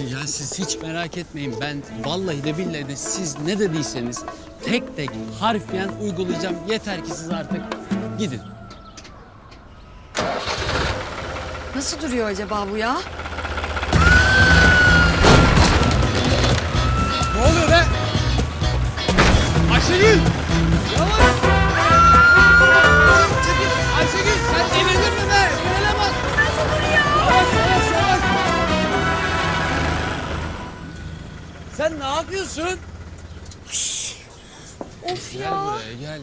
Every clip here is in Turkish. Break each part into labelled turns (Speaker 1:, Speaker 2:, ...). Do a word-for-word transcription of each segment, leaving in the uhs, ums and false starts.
Speaker 1: Ya siz hiç merak etmeyin. Ben vallahi de billahi de siz ne dediyseniz tek tek harfiyen uygulayacağım. Yeter ki siz artık gidin.
Speaker 2: Nasıl duruyor acaba bu ya?
Speaker 1: Ne oluyor be? Ayşegül! Yavaş! Ayşegül sen delirdin mi be? Frene bas!
Speaker 2: Nasıl duruyor?
Speaker 1: Yavaş yavaş yavaş! Sen ne yapıyorsun?
Speaker 2: Of
Speaker 1: Gel
Speaker 2: ya.
Speaker 1: buraya gel.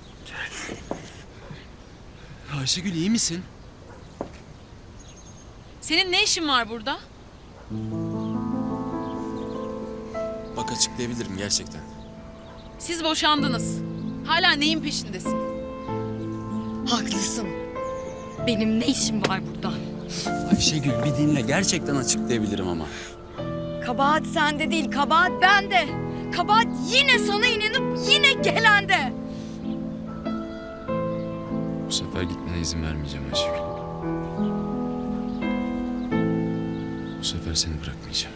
Speaker 1: Ayşegül iyi misin?
Speaker 3: Senin ne işin var burada?
Speaker 1: Bak açıklayabilirim gerçekten.
Speaker 3: Siz boşandınız. Hala neyin peşindesin?
Speaker 2: Haklısın. Benim ne işim var burada?
Speaker 1: Ayşegül bir dinle gerçekten açıklayabilirim ama.
Speaker 2: Kabahat sende değil, kabahat bende. Kabahat yine sana inanıp yine gelende.
Speaker 1: Bu sefer gitmene izin vermeyeceğim Ayşegül. Bu sefer seni bırakmayacağım.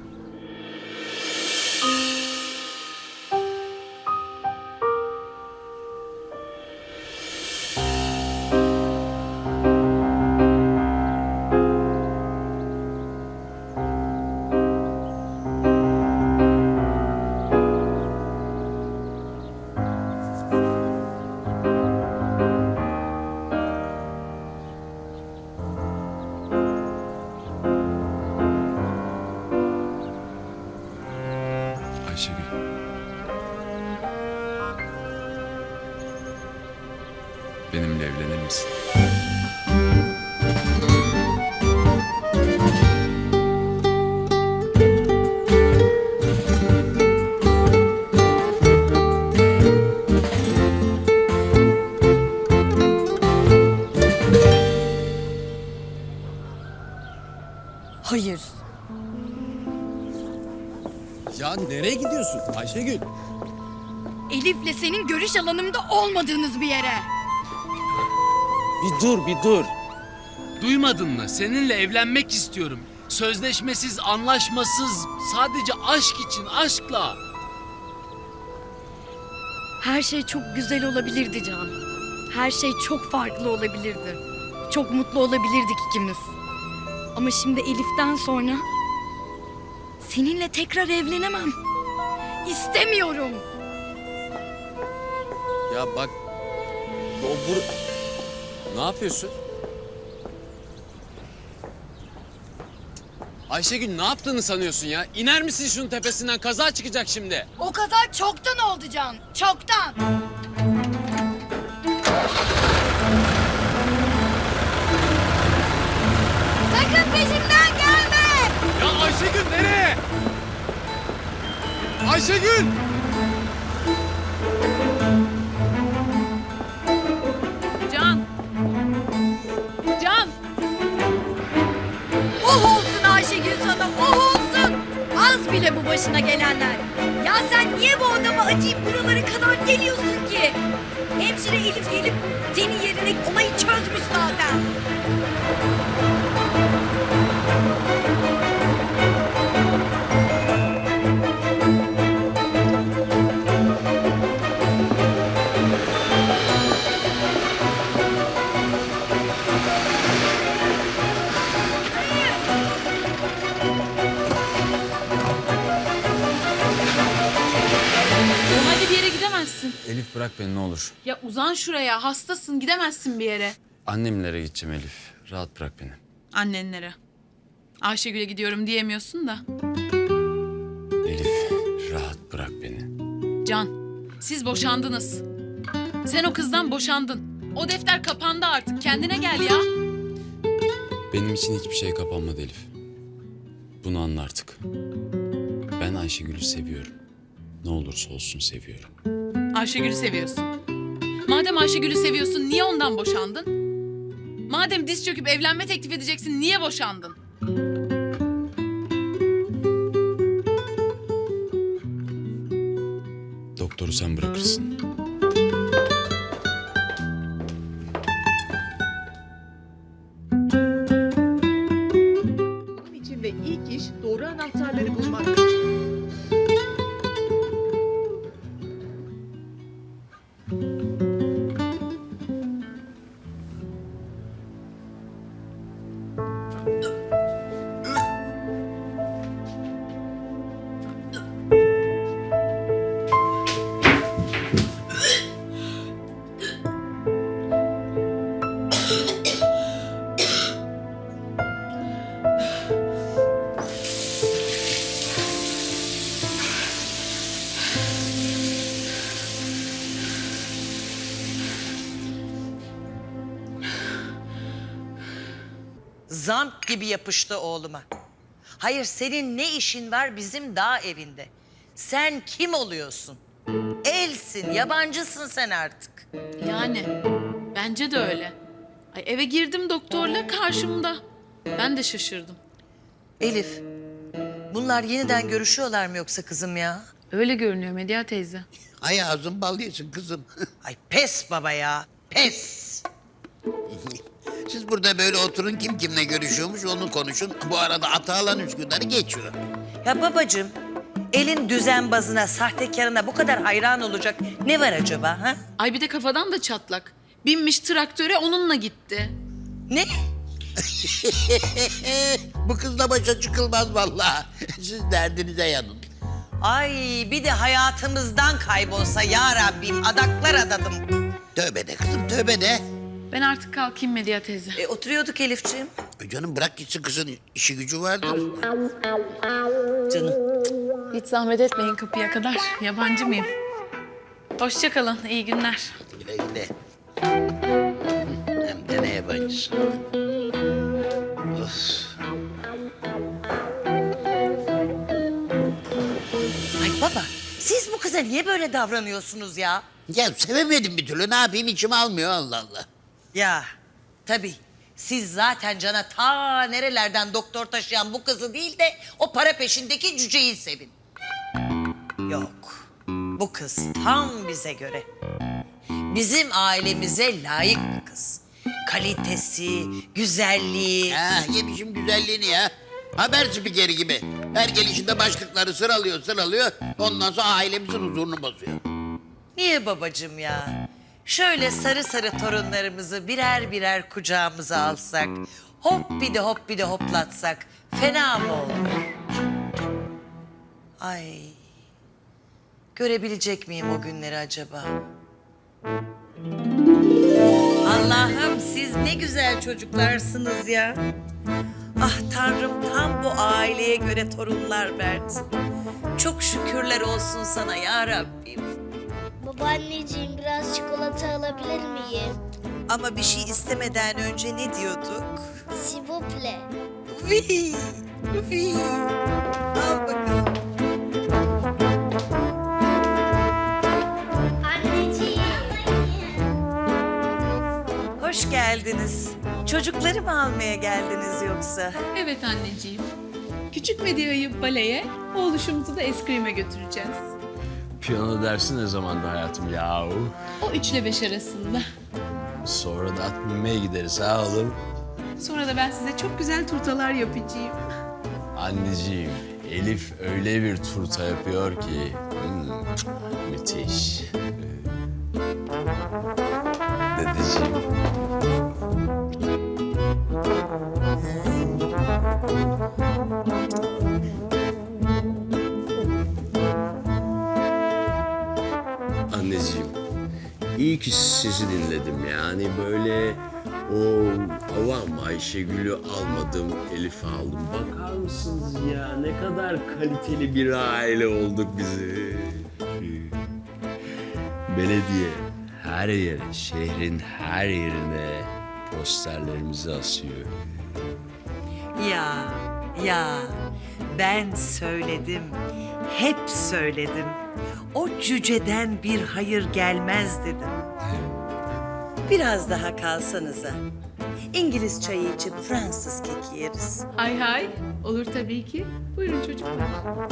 Speaker 1: Ayşegül. Benimle evlenir misin?
Speaker 2: Hayır.
Speaker 1: Ya nereye gidiyorsun Ayşegül?
Speaker 2: Elif'le senin görüş alanımda olmadığınız bir yere.
Speaker 1: Bir dur bir dur. Duymadın mı? Seninle evlenmek istiyorum. Sözleşmesiz, anlaşmasız, sadece aşk için, aşkla.
Speaker 2: Her şey çok güzel olabilirdi Can. Her şey çok farklı olabilirdi. Çok mutlu olabilirdik ikimiz. Ama şimdi Elif'ten sonra seninle tekrar evlenemem. İstemiyorum.
Speaker 1: Ya bak, o bur... Ne yapıyorsun? Ayşegül ne yaptığını sanıyorsun ya? İner misin şunun tepesinden? Kaza çıkacak şimdi.
Speaker 2: O kaza çoktan oldu Can. Çoktan. Sakın peşimden gelme.
Speaker 1: Ya Ayşegül nereye? Ayşegül!
Speaker 3: Can! Can!
Speaker 2: Oh olsun Ayşegül sana, oh olsun. Az bile bu başına gelenler. Ya sen niye bu adama acıyıp buralara kadar geliyorsun ki? Hemşire Elif gelip senin yerine olayı çözmüş zaten.
Speaker 3: Hadi bir yere gidemezsin.
Speaker 1: Elif bırak beni ne olur.
Speaker 3: Ya uzan şuraya. Hastasın. Gidemezsin bir yere.
Speaker 1: Annemlere gideceğim Elif. Rahat bırak beni.
Speaker 3: Annenlere. Ayşegül'e gidiyorum diyemiyorsun da.
Speaker 1: Elif rahat bırak beni.
Speaker 3: Can, siz boşandınız. Sen o kızdan boşandın. O defter kapandı artık. Kendine gel ya.
Speaker 1: Benim için hiçbir şey kapanmadı Elif. Bunu anla artık. Ben Ayşegül'ü seviyorum. Ne olursa olsun seviyorum.
Speaker 3: Ayşegül'ü seviyorsun. Madem Ayşegül'ü seviyorsun niye ondan boşandın? Madem diz çöküp evlenme teklif edeceksin niye boşandın?
Speaker 1: Doktoru sen bırakırsın.
Speaker 4: Bunun için de ilk iş doğru anahtarları bulmak.
Speaker 5: Zamp gibi yapıştı oğluma. Hayır, senin ne işin var bizim dağ evinde? Sen kim oluyorsun? Elsin, yabancısın sen artık.
Speaker 3: Yani bence de öyle. Ay eve girdim doktorla karşımda. Ben de şaşırdım.
Speaker 5: Elif, bunlar yeniden görüşüyorlar mı yoksa kızım ya?
Speaker 3: Öyle görünüyor Medya teyze.
Speaker 6: Ay ağzın bal yesin kızım.
Speaker 5: Ay pes baba ya, pes.
Speaker 6: Siz burada böyle oturun, kim kimle görüşüyormuş onu konuşun. Bu arada Atalan Üsküdar'ı geçiyor.
Speaker 5: Ya babacığım, elin düzenbazına, sahtekarına bu kadar hayran olacak ne var acaba ha?
Speaker 3: Ay bir de kafadan da çatlak. Binmiş traktöre onunla gitti.
Speaker 5: Ne?
Speaker 6: Bu kızla başa çıkılmaz vallahi. Siz derdinize yanın.
Speaker 5: Ay bir de hayatımızdan kaybolsa ya Rabbim, adaklar adadım.
Speaker 6: Tövbe de kızım, tövbe de.
Speaker 3: Ben artık kalkayım Medya teyze.
Speaker 5: E, oturuyorduk Elifciğim.
Speaker 6: E Canım bırak gitsin, kızın işi gücü vardır.
Speaker 5: Canım.
Speaker 3: Hiç zahmet etmeyin kapıya kadar. Yabancı mıyım? Hoşça kalın. İyi günler.
Speaker 6: Güle güle. Hem de ne yabancısı. Of.
Speaker 5: Ay baba, siz bu kıza niye böyle davranıyorsunuz ya?
Speaker 6: Ya sevemedim bir türlü, ne yapayım, içim almıyor, Allah Allah.
Speaker 5: Ya tabii, siz zaten cana ta nerelerden doktor taşıyan bu kızı değil de o para peşindeki cüceyi sevin. Yok, bu kız tam bize göre. Bizim ailemize layık bir kız. Kalitesi, güzelliği.
Speaker 6: Ha, yemişim güzelliğini ya. Haber spikeri gibi. Her gelişinde başlıkları sıralıyor, sıralıyor. Ondan sonra ailemizin huzurunu bozuyor.
Speaker 5: Niye babacığım ya? Şöyle sarı sarı torunlarımızı birer birer kucağımıza alsak, hop bir de hop bir de hoplatsak fena mı olur? Ay, görebilecek miyim o günleri acaba? Allah'ım siz ne güzel çocuklarsınız ya. Ah Tanrım, tam bu aileye göre torunlar verdi. Çok şükürler olsun sana ya Rabbim.
Speaker 7: Babaanneciğim biraz çikolata alabilir miyim?
Speaker 5: Ama bir şey istemeden önce ne diyorduk?
Speaker 7: S'il vous plaît.
Speaker 5: Vi, vi. Al bakalım.
Speaker 7: Anneciğim.
Speaker 5: Hoş geldiniz. Çocukları mı almaya geldiniz yoksa?
Speaker 8: Evet anneciğim. Küçük Medya'yı baleye, oğluşumuzu da eskrim'e götüreceğiz.
Speaker 9: Piyano dersi ne zamandı hayatım yahu?
Speaker 8: O üçle beş arasında.
Speaker 9: Sonra da at binmeye gideriz ha oğlum.
Speaker 8: Sonra da ben size çok güzel turtalar yapacağım.
Speaker 9: Anneciğim, Elif öyle bir turta yapıyor ki. hmm, müthiş. Dedeciğim. Anneciğim, iyi ki sizi dinledim yani böyle o avam Ayşegül'ü almadım, Elif'i aldım. Bakar mısınız ya ne kadar kaliteli bir aile olduk bizi. Belediye her yere, şehrin her yerine posterlerimizi asıyor.
Speaker 5: Ya, ya ben söyledim, hep söyledim. O cüceden bir hayır gelmez dedim. Biraz daha kalsanıza. İngiliz çayı içip Fransız keki yeriz.
Speaker 8: Hay hay, olur tabii ki. Buyurun çocuklar.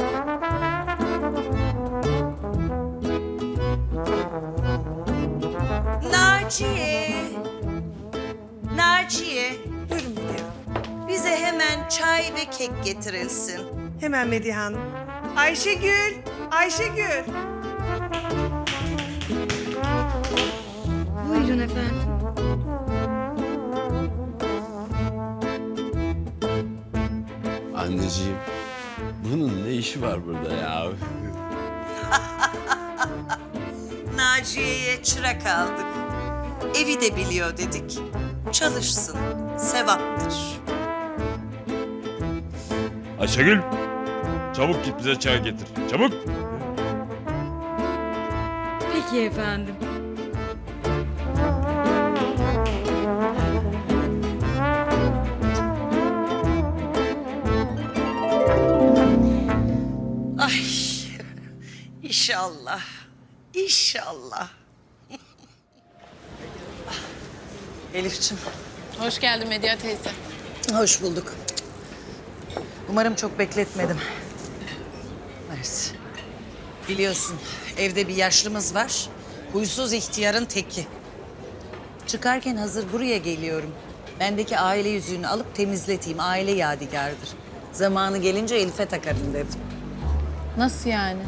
Speaker 5: Naciye. Naciye. Buyurun gidelim. Bize hemen çay ve kek getirilsin.
Speaker 4: Hemen Medihe Hanım. Ayşegül, Ayşegül.
Speaker 2: Buyurun efendim.
Speaker 9: Anneciğim, bunun ne işi var burada ya?
Speaker 5: Naciye'ye çırak aldık. Evi de biliyor dedik. Çalışsın, sevaptır.
Speaker 10: Ayşegül, çabuk git bize çay getir. Çabuk.
Speaker 2: Peki efendim.
Speaker 5: Ay, inşallah, inşallah. Elif'ciğim,
Speaker 3: Hoş geldin Medya teyze.
Speaker 5: hoş bulduk. Umarım çok bekletmedim. Evet. Biliyorsun, evde bir yaşlımız var. Huysuz ihtiyarın teki. Çıkarken hazır buraya geliyorum. Bendeki aile yüzüğünü alıp temizleteyim. Aile yadigarıdır. Zamanı gelince Elif'e takarım dedim.
Speaker 3: Nasıl yani?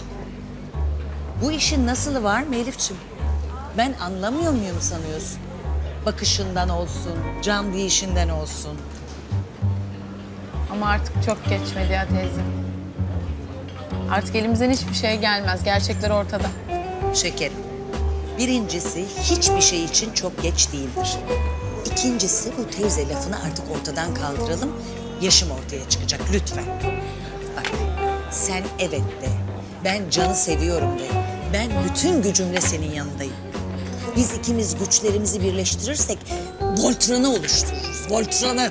Speaker 5: Bu işin nasılı var mı Elif'ciğim? Ben anlamıyor muyum sanıyorsun? Bakışından olsun, can değişinden olsun.
Speaker 3: Ama artık çok geç Medya teyze. Artık elimizden hiçbir şey gelmez. Gerçekler ortada.
Speaker 5: Şekerim, birincisi hiçbir şey için çok geç değildir. İkincisi bu teyze lafını artık ortadan kaldıralım. Yaşım ortaya çıkacak lütfen. Bak sen evet de, ben Can'ı seviyorum de. Ben bütün gücümle senin yanındayım. Biz ikimiz güçlerimizi birleştirirsek Voltran'ı oluştururuz. Voltran'ı.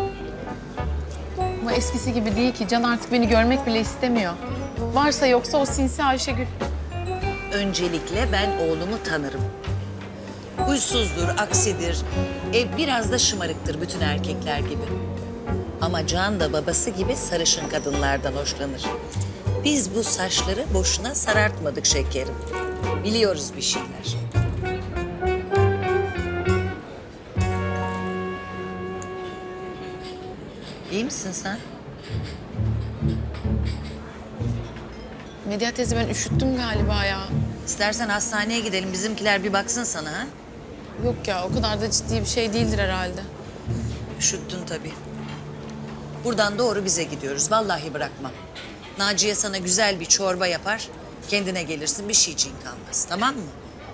Speaker 3: Ama eskisi gibi değil ki. Can artık beni görmek bile istemiyor. Varsa yoksa o sinsi Ayşegül.
Speaker 5: Öncelikle ben oğlumu tanırım. Huysuzdur, aksidir, e, biraz da şımarıktır bütün erkekler gibi. Ama Can da babası gibi sarışın kadınlardan hoşlanır. Biz bu saçları boşuna sarartmadık şekerim. Biliyoruz bir şeyler. İyi misin sen?
Speaker 3: Medya teyze ben üşüttüm galiba ya.
Speaker 5: İstersen hastaneye gidelim, bizimkiler bir baksın sana ha.
Speaker 3: Yok ya o kadar da ciddi bir şey değildir herhalde.
Speaker 5: Üşüttün tabii. Buradan doğru bize gidiyoruz. Vallahi bırakmam. Naciye sana güzel bir çorba yapar. Kendine gelirsin, bir şeyciğin kalmaz. Tamam mı?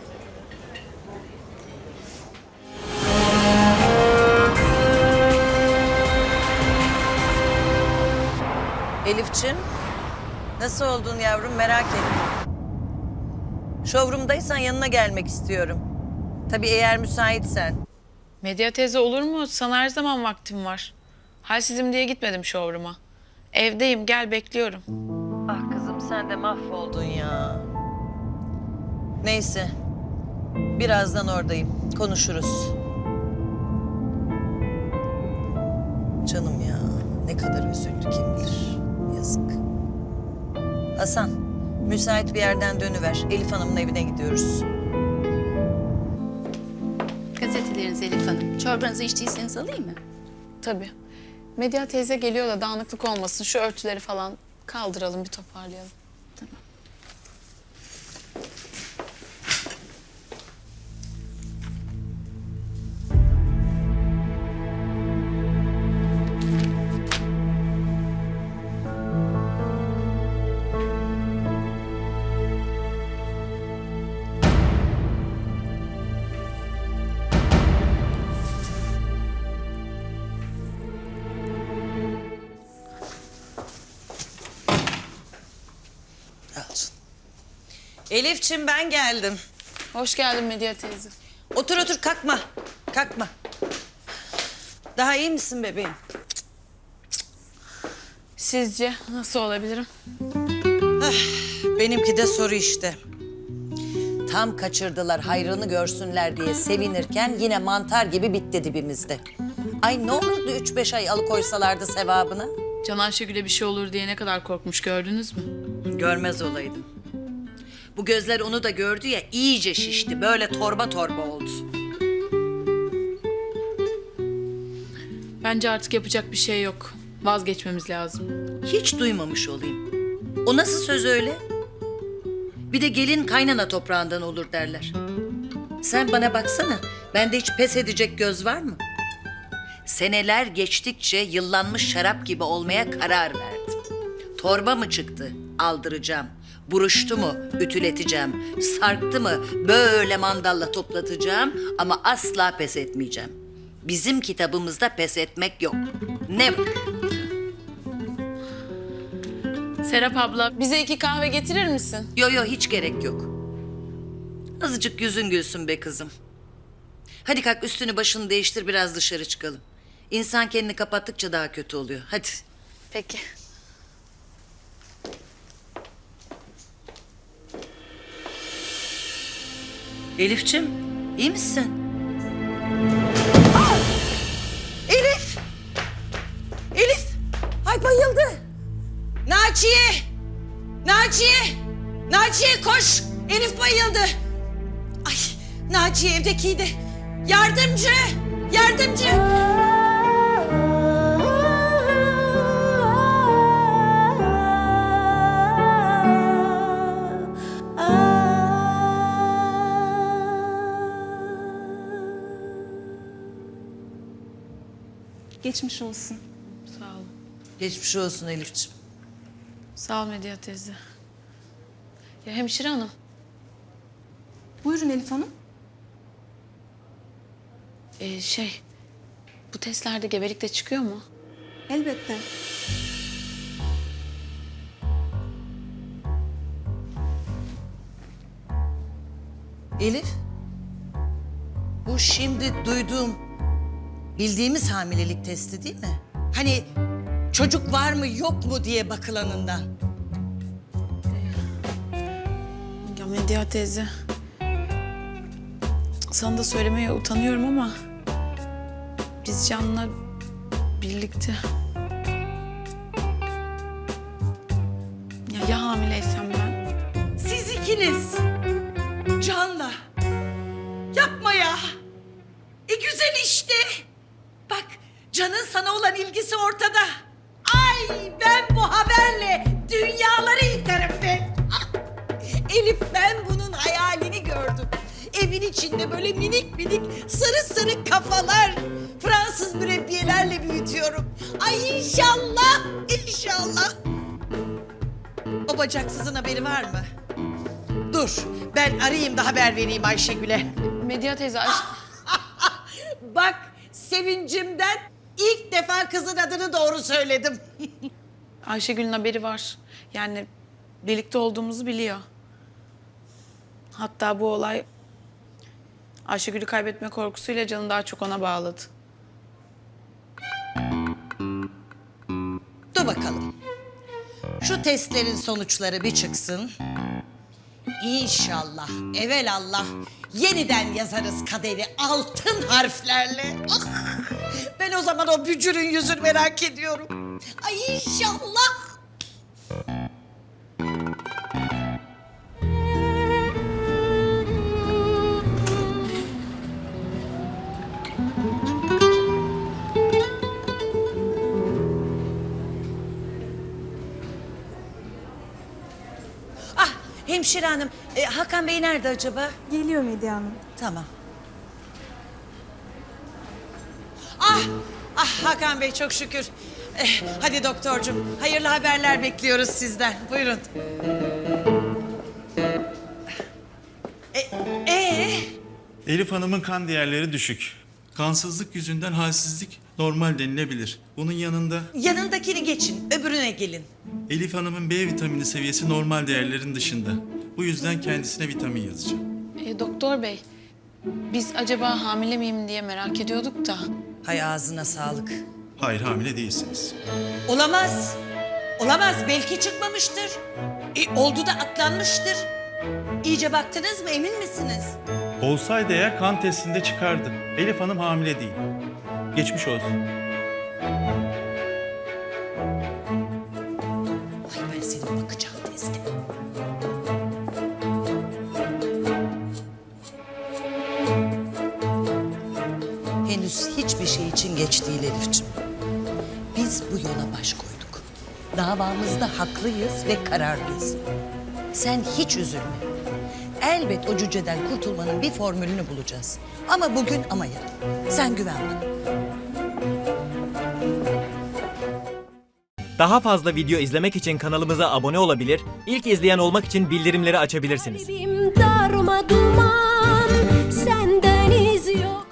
Speaker 5: Elifçim, nasıl oldun yavrum merak ettim. Showroom'daysan yanına gelmek istiyorum. Tabii eğer müsaitsen.
Speaker 3: Medya teyze olur mu? Sana her zaman vaktim var. Halsizim diye gitmedim showroom'a. Evdeyim gel bekliyorum.
Speaker 5: Ah kızım sen de mahvoldun ya. Neyse. Birazdan oradayım. Konuşuruz. Canım ya. Ne kadar üzüldü kim bilir. Yazık. Hasan, müsait bir yerden dönüver. Elif Hanım'ın evine gidiyoruz.
Speaker 11: Gazeteleriniz Elif Hanım. Çorbanızı içtiyseniz alayım mı?
Speaker 3: Tabii. Medya teyze geliyor da dağınıklık olmasın. Şu örtüleri falan kaldıralım bir toparlayalım.
Speaker 5: Al canım. Elifçim ben geldim.
Speaker 3: Hoş geldin Medya teyze.
Speaker 5: Otur otur kalkma. Kalkma. Daha iyi misin bebeğim?
Speaker 3: Sizce nasıl olabilirim?
Speaker 5: Benimki de soru işte. Tam kaçırdılar hayrını görsünler diye sevinirken yine mantar gibi bitti dibimizde. Ay ne olurdu üç beş ay alıkoysalardı sevabını?
Speaker 3: Can Ayşegül'e bir şey olur diye ne kadar korkmuş gördünüz mü?
Speaker 5: Görmez olaydım. Bu gözler onu da gördü ya iyice şişti. Böyle torba torba oldu.
Speaker 3: Bence artık yapacak bir şey yok. Vazgeçmemiz lazım.
Speaker 5: Hiç duymamış olayım. O nasıl söz öyle? Bir de gelin kaynana toprağından olur derler. Sen bana baksana. Bende hiç pes edecek göz var mı? Seneler geçtikçe yıllanmış şarap gibi olmaya karar verdim. Torba mı çıktı? Aldıracağım. Buruştu mu? Ütületeceğim. Sarktı mı? Böyle mandalla toplatacağım ama asla pes etmeyeceğim. Bizim kitabımızda pes etmek yok. Never.
Speaker 3: Serap abla bize iki kahve getirir misin?
Speaker 5: Yo yo hiç gerek yok. Azıcık yüzün gülsün be kızım. Hadi kalk üstünü başını değiştir biraz dışarı çıkalım. İnsan kendini kapattıkça daha kötü oluyor. Hadi.
Speaker 11: Peki.
Speaker 5: Elifçim iyi misin?
Speaker 4: Elif! Elif! Ay bayıldı. Naciye! Naciye! Naciye koş! Elif bayıldı. Ay Naciye evdekiydi. Yardımcı! Yardımcı!
Speaker 8: Geçmiş olsun.
Speaker 3: Sağ ol.
Speaker 5: Geçmiş olsun Elifçim.
Speaker 3: Sağ ol Medya teyze. Ya hemşire hanım.
Speaker 8: Buyurun Elif Hanım.
Speaker 3: Ee, şey, bu testlerde gebelik de çıkıyor mu?
Speaker 8: Elbette.
Speaker 5: Elif. Bu şimdi duyduğum bildiğimiz hamilelik testi değil mi? Hani çocuk var mı yok mu diye bakılanından.
Speaker 3: Ya Medya teyze. Sana da söylemeye utanıyorum ama biz Can'la birlikte. Ya ya hamileysem ben?
Speaker 4: Siz ikiniz. Can'la. Yapma ya. E güzel işte. Bak Can'ın sana olan ilgisi ortada. Ay ben bu haberle dünyaları yıkarım ben. Ah! Elif ben bunun hayalini gördüm. Evin içinde böyle minik minik sarı sarı kafalar, Fransız mürebbiyelerle büyütüyorum. Ay inşallah, inşallah. O bacaksızın haberi var mı? Dur, ben arayayım da haber vereyim Ayşegül'e.
Speaker 3: Medya teyze aş-
Speaker 4: Bak, sevincimden ilk defa kızın adını doğru söyledim.
Speaker 3: Ayşegül'ün haberi var. Yani birlikte olduğumuzu biliyor. Hatta bu olay Ayşegül'ü kaybetme korkusuyla Can'ı daha çok ona bağladı.
Speaker 5: Dur bakalım. Şu testlerin sonuçları bir çıksın. İnşallah, evelallah yeniden yazarız kaderi altın harflerle. Ah! Ben o zaman o bücürün yüzünü merak ediyorum. Ay inşallah. Ah hemşire hanım, e, Hakan Bey nerede acaba?
Speaker 8: Geliyor Medya Hanım.
Speaker 5: Tamam. Ah, ah Hakan Bey çok şükür. Eh, hadi doktorcum, hayırlı haberler bekliyoruz sizden. Buyurun. E, ee?
Speaker 12: Elif Hanım'ın kan değerleri düşük. Kansızlık yüzünden halsizlik normal denilebilir. Bunun yanında
Speaker 5: Yanındakini geçin, öbürüne gelin.
Speaker 12: Elif Hanım'ın B vitamini seviyesi normal değerlerin dışında. Bu yüzden kendisine vitamin yazacağım.
Speaker 3: E, doktor bey, biz acaba hamile miyim diye merak ediyorduk da.
Speaker 5: Hay ağzına sağlık.
Speaker 12: Hayır, hamile değilsiniz.
Speaker 5: Olamaz. Olamaz, belki çıkmamıştır. E, oldu da atlanmıştır. İyice baktınız mı, emin misiniz?
Speaker 12: Olsaydı eğer kan testinde çıkardı. Elif Hanım hamile değil. Geçmiş olsun.
Speaker 5: Ay ben senin bakacağım testi. Henüz hiçbir şey için geç değil Elifciğim. Biz bu yola baş koyduk. Davamızda haklıyız ve kararlıyız. Sen hiç üzülme. Elbet o cüceden kurtulmanın bir formülünü bulacağız. Ama bugün ama yarın. Sen güven bana.
Speaker 13: Daha fazla video izlemek için kanalımıza abone olabilir, ilk izleyen olmak için bildirimleri açabilirsiniz.
Speaker 7: Darma duman senden iz yok.